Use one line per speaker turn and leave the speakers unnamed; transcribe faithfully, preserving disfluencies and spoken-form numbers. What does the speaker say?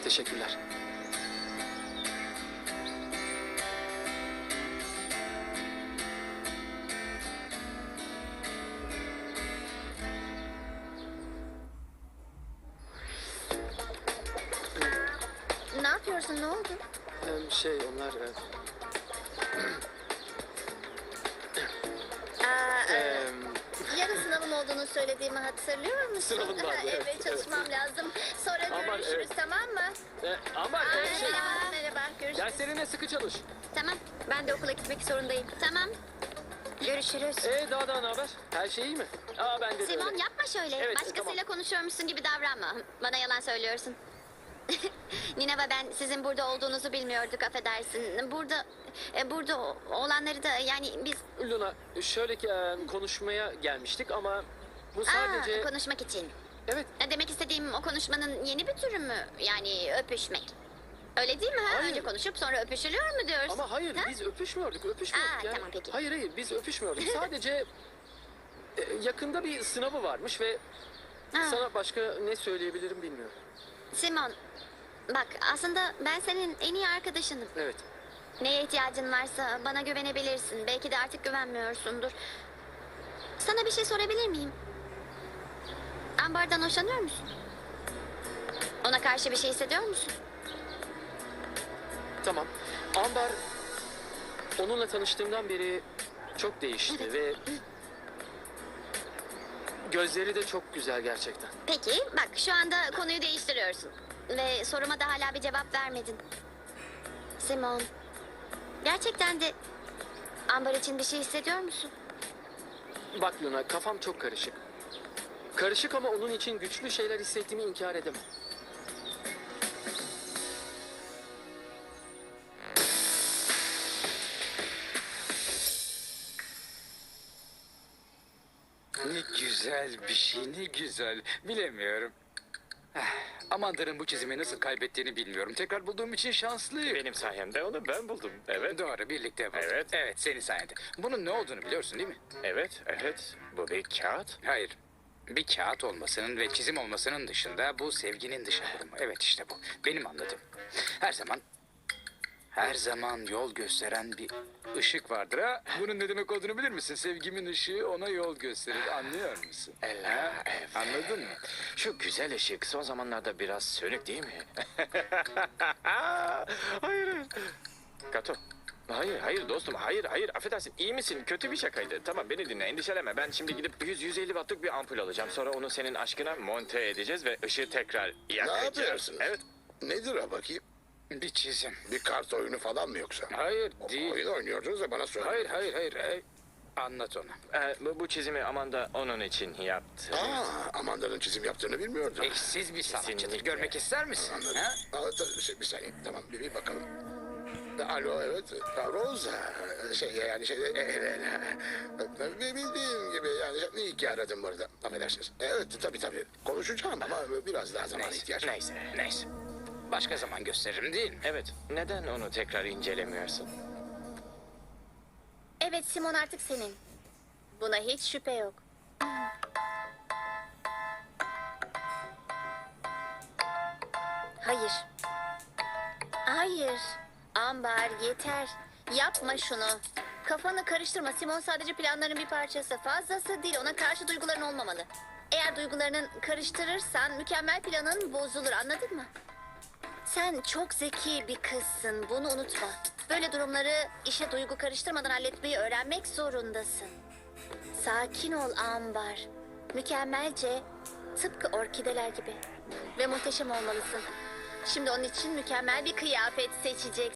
Teşekkürler.
Ne yapıyorsun? Ne oldu?
Ee, şey onlar... e,
Aa, e,
em,
yarın sınavım olduğunu söylediğimi hatırlıyor musun?
Sınavın vardı, evet,
Evet, çalışmam lazım. Sonra
Aman,
görüşürüz,
evet.
tamam mı?
e, ama
Aa,
e, şey...
merhaba, merhaba. Görüşürüz.
Derslerine sıkı çalış.
Tamam, ben de okula gitmek zorundayım. Tamam. Görüşürüz.
Ee, daha da ne haber? Her şey iyi mi? Aa, ben de
Simon
öyle.
yapma şöyle.
Evet,
Başkasıyla
tamam.
konuşuyormuşsun gibi davranma. Bana yalan söylüyorsun. Nina ve ben sizin burada olduğunuzu bilmiyorduk, affedersin. Burada e, burada o- olanları da yani biz
Luna, şöyle ki e, konuşmaya gelmiştik ama bu
Aa,
sadece...
konuşmak için.
Evet,
E, Demek istediğim o konuşmanın yeni bir türü mü? Yani öpüşmek. Öyle değil mi? Ha?
Hayır.
Önce konuşup sonra öpüşülüyor mu diyorsun?
ama hayır
Ha?
biz öpüşmüyorduk, öpüşmüyorduk.
Aa,
yani.
tamam, peki.
Hayır hayır biz öpüşmüyorduk. Sadece e, yakında bir sınavı varmış ve
Aa,
sana başka ne söyleyebilirim bilmiyorum.
Simon, bak aslında ben senin en iyi arkadaşınım.
Evet.
Neye ihtiyacın varsa bana güvenebilirsin. Belki de artık güvenmiyorsundur. Sana bir şey sorabilir miyim? Ambar'dan hoşlanıyor musun? Ona karşı bir şey hissediyor musun?
Tamam. Ambar onunla tanıştığımdan beri çok değişti ve gözleri de çok güzel gerçekten.
Peki, bak şu anda konuyu değiştiriyorsun. Ve soruma da hala bir cevap vermedin. Simon, gerçekten de Ambar için bir şey hissediyor musun?
Bak Luna, kafam çok karışık. Karışık ama onun için güçlü şeyler hissettiğimi inkar edemem.
Ne güzel bir şey, ne güzel. Bilemiyorum. Eh, Amanda'nın bu çizimi nasıl kaybettiğini bilmiyorum. Tekrar bulduğum için şanslıyım.
Benim sayemde onu ben buldum. Evet,
Doğru, birlikte bulduk.
Evet.
Evet, senin sayende. Bunun ne olduğunu biliyorsun değil mi?
evet, evet. Bu bir kağıt.
Hayır. Bir kağıt olmasının ve çizim olmasının dışında bu sevginin dışa vurumu. Evet işte bu. Benim anladığım. Her zaman her zaman yol gösteren bir ışık vardır ha. Bunun ne demek olduğunu bilir misin? Sevgimin ışığı ona yol gösterir. Anlıyor musun?
Ella,
Ha?
evet.
Anladın mı?
Şu güzel ışık son zamanlarda biraz sönük değil mi? Hayır. Kato. Hayır, hayır dostum, hayır, hayır. Affedersin, iyi misin? Kötü bir şakaydı. Tamam, beni dinle, endişelenme. Ben şimdi gidip yüz yüz elli wattlık bir ampul alacağım. Sonra onu senin aşkına monte edeceğiz ve ışığı tekrar yakacağız.
yapıyorsunuz?
Evet.
Nedir o bakayım?
Bir çizim.
Bir kart oyunu falan mı yoksa?
Hayır değil.
Oyun oynuyordunuz da bana söyle.
Hayır hayır hayır. hayır. Anlat ona.
Ee, bu, bu çizimi Amanda onun için yaptı.
Aa, Amanda'nın çizim yaptığını bilmiyordum.
Eşsiz bir sanatçıdır.
Kesinlikle.
Görmek ister misin?
Anladım.
Ha?
Aa, ta- şey, bir saniye, tamam bir, bir bakalım. Alo, evet. Ha, Rosa. Şey yani şey... Elena. Bildiğim gibi yani iyi ki aradım burada. Affedersiniz. Evet tabii tabii. Konuşacağım ama biraz daha zaman
Neyse,
ihtiyaç var.
neyse, neyse. Başka zaman gösteririm değil mi?
Evet, neden onu tekrar incelemiyorsun?
Evet, Simon artık senin. Buna hiç şüphe yok. Hayır. Hayır. Ambar yeter. Yapma şunu. Kafanı karıştırma. Simon sadece planların bir parçası. Fazlası değil. Ona karşı duyguların olmamalı. Eğer duygularını karıştırırsan mükemmel planın bozulur. Anladın mı? Sen çok zeki bir kızsın. Bunu unutma. Böyle durumları işe duygu karıştırmadan halletmeyi öğrenmek zorundasın. Sakin ol Ambar. Mükemmelce, tıpkı orkideler gibi. Ve muhteşem olmalısın. Şimdi onun için mükemmel bir kıyafet seçeceksin.